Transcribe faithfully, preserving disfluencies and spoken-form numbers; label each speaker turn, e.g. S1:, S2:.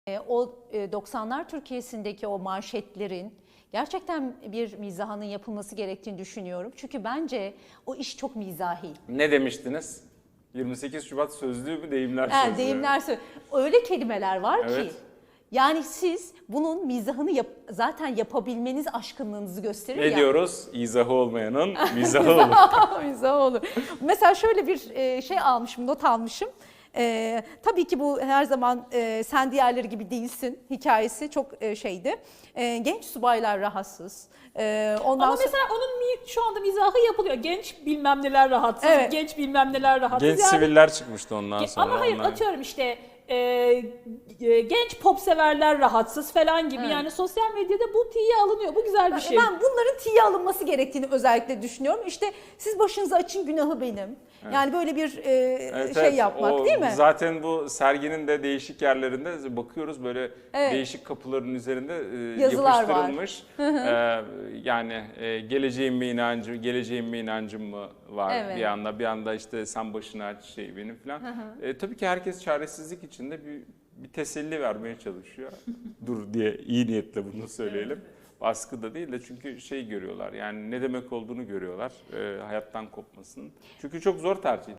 S1: E, O e, doksanlar Türkiye'sindeki o manşetlerin gerçekten bir mizahının yapılması gerektiğini düşünüyorum. Çünkü bence o iş çok mizahi.
S2: Ne demiştiniz? yirmi sekiz Şubat sözlüğü mü, deyimler
S1: Yani
S2: sözlüğü?
S1: deyimler sö- öyle kelimeler var
S2: Evet.
S1: ki yani siz bunun mizahını yap- zaten yapabilmeniz aşkınlığınızı gösterir
S2: Ne
S1: ya.
S2: diyoruz? İzahı olmayanın mizahı olur.
S1: Mizah olur. Mesela şöyle bir e, şey almışım, not almışım. E, tabii ki bu her zaman e, sen diğerleri gibi değilsin hikayesi çok e, şeydi. E, genç subaylar rahatsız. E, ondan
S3: Ama
S1: sonra...
S3: mesela onun mi- şu anda mizahı yapılıyor. Genç bilmem neler rahatsız,
S1: Evet.
S3: genç bilmem neler rahatsız.
S2: Genç
S3: Yani-
S2: siviller çıkmıştı ondan
S3: Ge-
S2: sonra.
S3: Ama hayır
S2: onlar.
S3: atıyorum işte e, e, genç pop severler rahatsız falan gibi.
S1: Evet.
S3: Yani sosyal medyada bu tiye alınıyor. Bu güzel bir şey.
S1: Ben bunların tiye alınması gerektiğini özellikle düşünüyorum. İşte siz başınızı açın, günahı benim. Yani böyle bir e,
S2: Evet,
S1: şey
S2: evet.
S1: yapmak
S2: O
S1: değil mi?
S2: Zaten bu serginin de değişik yerlerinde bakıyoruz, böyle
S1: Evet.
S2: değişik kapıların üzerinde e,
S1: Yazılar var.
S2: yapıştırılmış. Ee, yani e, geleceğim mi inancım, geleceğim mi inancım mı var
S1: Evet.
S2: bir anda, bir anda işte sen başını aç şey benim falan. E, tabii ki herkes çaresizlik içinde bir, bir teselli vermeye çalışıyor. Dur diye iyi niyetle bunu söyleyelim. Baskı da değil de çünkü şey görüyorlar, yani ne demek olduğunu görüyorlar, e, hayattan kopmasının. Çünkü çok zor tercihler